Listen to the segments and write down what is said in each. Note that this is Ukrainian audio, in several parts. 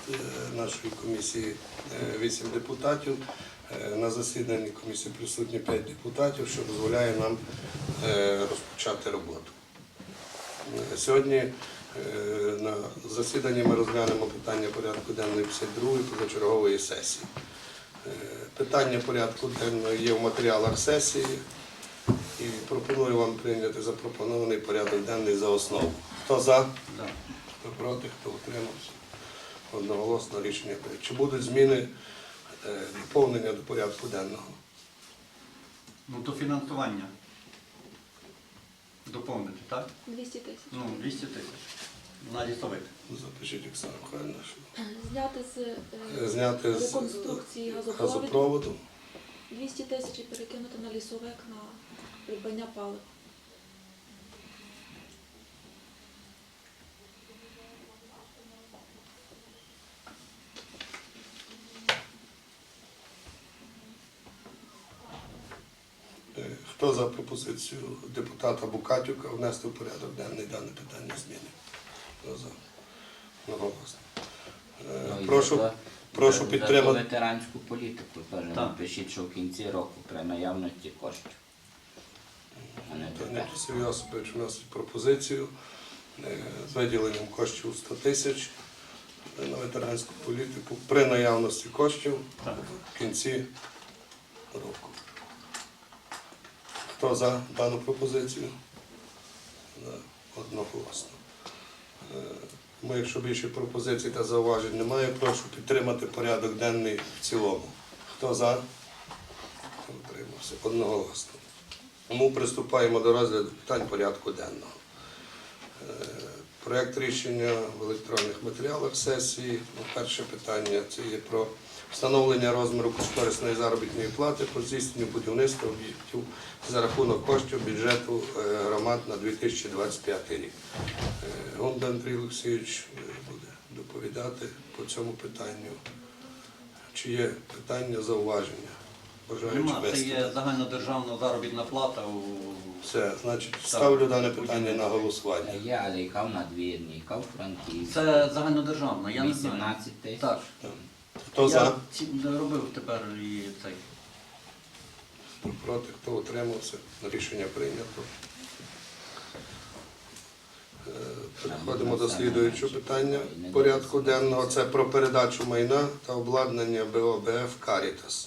нашої комісії 8 депутатів. На засіданні комісії присутні 5 депутатів, що дозволяє нам розпочати роботу. Сьогодні на засіданні ми розглянемо питання порядку денної 52-ї позачергової сесії. Питання порядку денного є в матеріалах сесії і пропоную вам прийняти запропонований порядок денний за основу. Хто за? Хто проти? Хто утримався? Одноголосно рішення прийнято. Чи будуть зміни, доповнення до порядку денного? Ну, то фінансування доповнити, так? 200 тисяч. Ну, 200 тисяч. На лісовик. Запишіть, Оксана Михайлівна. Зняти з Зняти з реконструкції газопроводу. 200 тисяч і перекинути на лісовик на придбання палива. Хто за пропозицію депутата Букатюка внести в порядок денний дане питання зміни? Хто за? Одноголосно. Прошу За підтримати. ветеранську політику теж Так. напишіть, що в кінці року при наявності коштів. А не тепер. Леонід Василь Йосипович вносить пропозицію з виділенням коштів 100 тисяч на ветеранську політику при наявності коштів Так. в кінці року. Хто за дану пропозицію? Одноголосно. Якщо більше пропозицій та зауважень немає, прошу підтримати порядок денний в цілому. Хто за? Хто утримався? Одноголосно. Тому приступаємо до розгляду питань порядку денного. Проект рішення в електронних матеріалах сесії. Перше питання – це є про встановлення розміру кошторисної заробітної плати по здійсненню будівництва об'єктів за рахунок коштів бюджету громад на 2025 рік. Гонда Андрій Олексійович буде доповідати по цьому питанню. Чи є питання, зауваження? Нема, це є загальнодержавна заробітна плата у... Все, значить, ставлю дане питання на голосування. Є, але яка в надвірні, яка в Франківську. Це загальнодержавна, я не знаю. 18 тисяч. Так. Хто за? Я робив тепер і цей. Хто проти, хто утримався? Рішення прийнято. Переходимо до слідуючого питання порядку денного. Це про передачу майна та обладнання БОБФ «Карітас».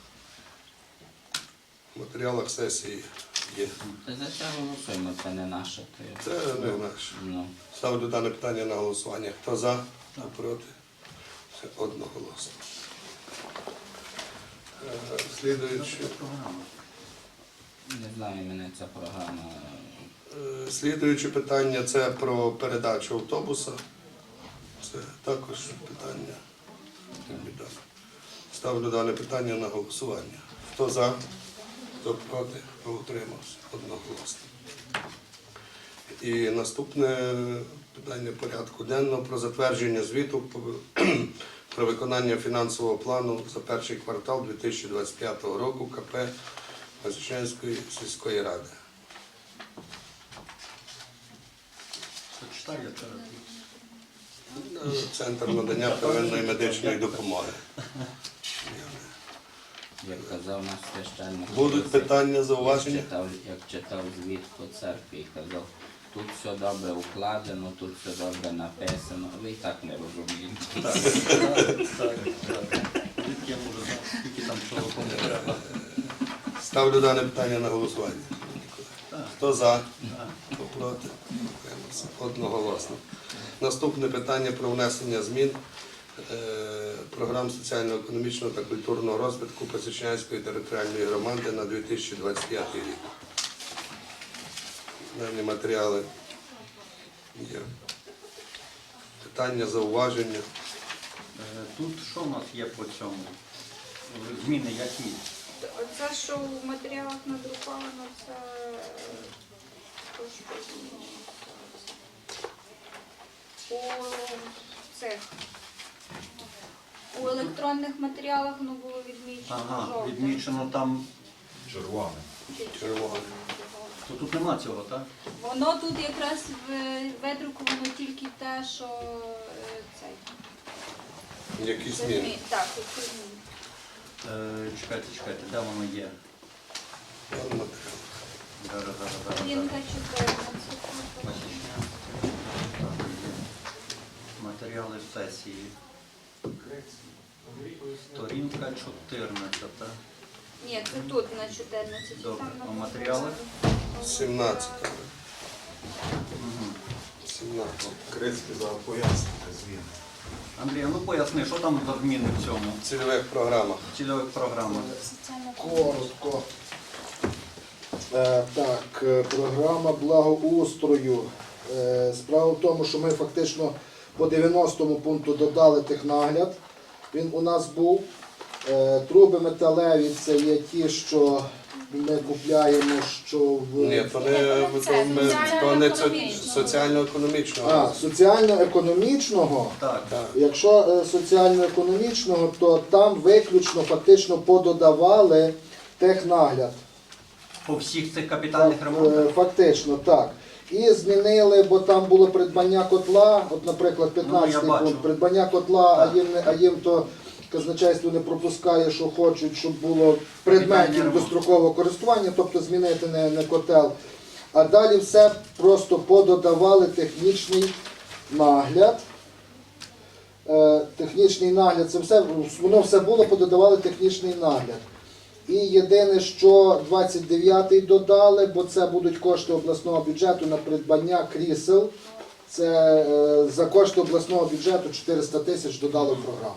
В матеріалах сесії є. Та за це голосуємо, це не наше. Це не наше. Ну, Ставлю дане питання на голосування. Хто за, хто проти? Це одноголосно. Слідуюче. не знаю, мене ця програма. Слідуюче питання – це про передачу автобуса. Це також питання. Ставлю дане питання на голосування. Хто за, хто проти, хто утримався? Одноголосно. І наступне питання порядку денного про затвердження звіту про виконання фінансового плану за перший квартал 2025 року КП Вознесенської сільської ради. Почитай, я Центр надання первинної медичної допомоги. Як казав наш священник. Будуть питання, зауваження? Як читав звіт по церкві і казав, тут все добре укладено, тут все добре написано, ви і так не розумієте. Так. Я можу знати, скільки там чого кому треба. Ставлю дане питання на голосування. Хто за? Хто проти? Утримався. Одноголосно. Наступне питання про внесення змін програм соціально-економічного та культурного розвитку Пасічнянської територіальної громади на 2025 рік. Дані матеріали є. Питання, зауваження. Тут що в нас є по цьому? Зміни які? Оце, що в матеріалах надруковано, це трошки змінюється. У електронних матеріалах воно було відмічено Ага, жовтим. відмічено там. Червоне. То тут нема цього, так? Воно тут якраз видруковано тільки те, що цей. Які Це зміни? Так, які зміни. Чекайте, де воно є? Зараз. Сторінка 14. Матеріали сесії. Сторінка 14. Ні, це тут на 14. Добре. Там А написано. матеріали? 17. Угу. 17. Крицький за пояснення змін. Андрій, ну поясни, що там за зміни в цьому? В цільових програмах. В цільових програмах. Коротко. Так, програма благоустрою. Справа в тому, що ми фактично по 90-му пункту додали технагляд. Він у нас був. Труби металеві це є ті, що ми купляємо, що в Ні, то не соціально-економічного. соціально-економічного. Так. Так. Якщо соціально-економічного, то там виключно фактично пододавали технагляд. По всіх цих капітальних ремонтах? Фактично, так. І змінили, бо там було придбання котла, от, наприклад, 15 бачу. пункт, придбання котла, Так. а їм то казначейство не пропускає, що хочуть, щоб було предметів ремонт. дострокового користування, тобто змінити не котел. А далі все просто пододавали технічний нагляд. Технічний нагляд, це все, воно все було, пододавали технічний нагляд. І єдине, що 29-й додали, бо це будуть кошти обласного бюджету на придбання крісел. Це за кошти обласного бюджету 400 тисяч додали в програму.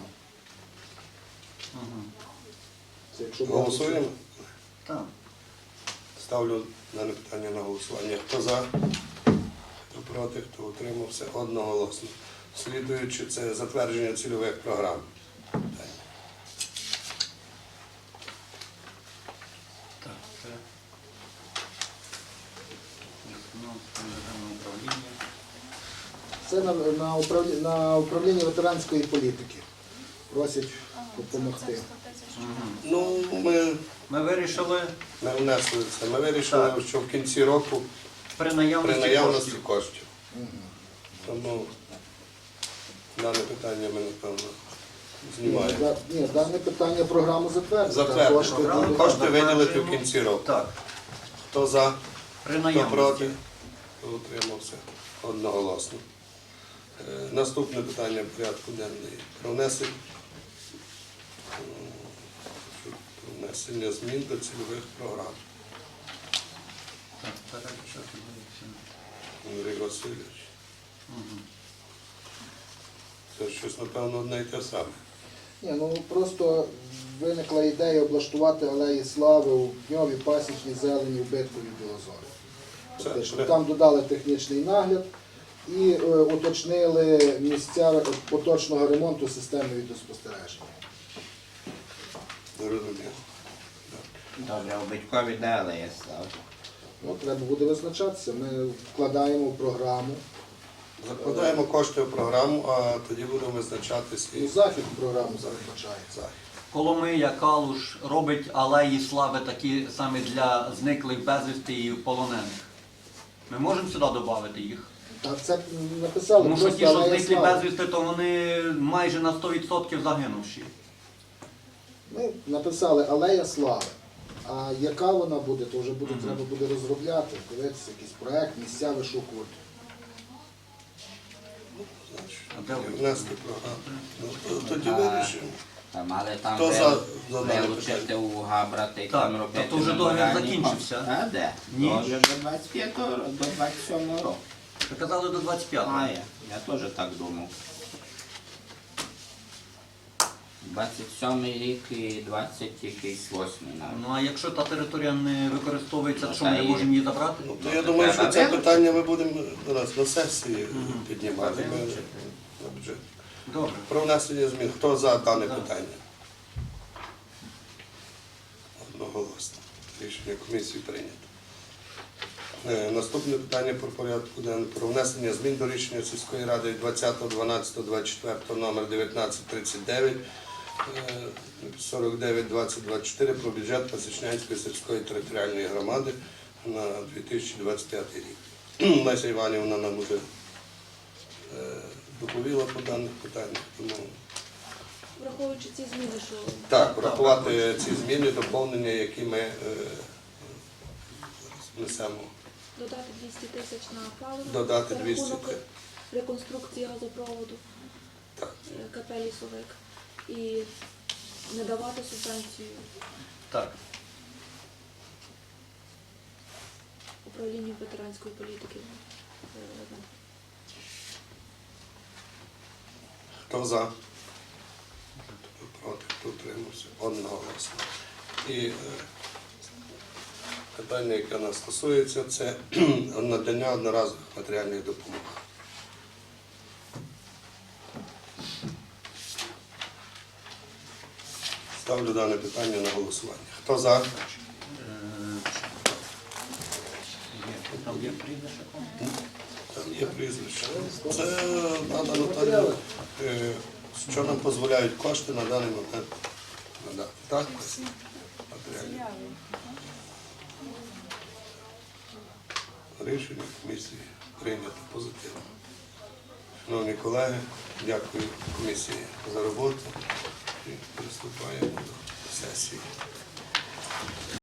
Угу. Це якщо Голосуємо? Так. Ставлю дане питання на голосування. Хто за? Хто проти? Хто утримався? Одноголосно. Слідуючи, це затвердження цільових програм. Так, це державне управління. Це на управління ветеранської політики. Просять допомогти. Ну, Ми вирішили ми внесли це. Ми вирішили, Так. що в кінці року при при наявності наявності коштів. коштів. Тому дане питання ми, напевно, знімаємо. Ні, дане питання програму затвердити. Затвердити. Кошти Програму будуть. Кошти виділити в затверджуємо. кінці року. Так, Хто за? при Хто наявності. проти? Хто утримався? Одноголосно. Наступне питання порядку денний. Про внесення змін до цільових програм. Так, перелік. Андрій Васильович. Угу. Це щось, напевно, одне й те саме. Ні, ну просто виникла ідея облаштувати алеї слави у Дньові, Пасічній, Зелені, в Биткові, Білозорі. Фактично. Це- Там додали технічний нагляд і уточнили місця поточного ремонту системи відеоспостереження. Зрозуміло. Добре, у Битькові де алея слави? Ну, треба буде визначатися. Ми вкладаємо в програму. Закладаємо кошти в програму, а тоді будемо визначатись І і захід в програму передбачає. захід. Коломия, Калуш робить алеї слави такі самі для зниклих безвісти і полонених. Ми можемо сюди додати їх? Так, це написали. Тому що просто ті, що алея зниклі слави. безвісти, то вони майже на 100% загинувші. Ми написали алея слави. А яка вона буде, то вже буде, Мгм. треба буде розробляти, дивитися якийсь проект, місця вишукувати. А де ви? Внести програму. Ну, тоді А, вирішимо. Там, але там Хто за дане вилучити у Габрати і Так, там робити. та то вже договір меморіальні закінчився. кошти. А де? Ні. Договір до 25-го, до 27-го року. Ви казали до 25-го. А, я теж так думав. 27-й рік і 28-й навіть. Ну а якщо та територія не використовується, то що ми Та не і- можемо її забрати? Ну, то я думаю, що це Треба питання ми будемо до нас на сесії Мгм. піднімати. Ми Вилучити. на бюджет. Добре. Про внесення змін. Хто за дане Так. питання? Одноголосно. Рішення комісії прийнято. Наступне питання про порядку денного. Про внесення змін до рішення сільської ради від 20.12.24 номер 1939 49-2024 про бюджет Пасічнянської сільської територіальної громади на 2025 рік. Леся Іванівна нам уже доповіла по даних питаннях, тому враховуючи ці зміни, що Так, врахувати ці зміни, доповнення, які ми зараз внесемо. додати 200 тисяч на паливо, Додати за 200 рахунок тисяч. реконструкції газопроводу Так. КП «Лісовик» і не давати субвенцію Так. управлінню ветеранської політики. Хто за? Хто проти, хто утримався? Одноголосно. І питання, яке нас стосується, це надання одноразових матеріальних допомог. Ставлю дане питання на голосування. Хто за? Там є прізвище. Там є прізвище. Це Ада Наталія, що нам дозволяють кошти на даний момент надати. Так? Матеріальні. Рішення комісії прийнято позитивно. Шановні колеги, дякую комісії за роботу і приступаємо до сесії.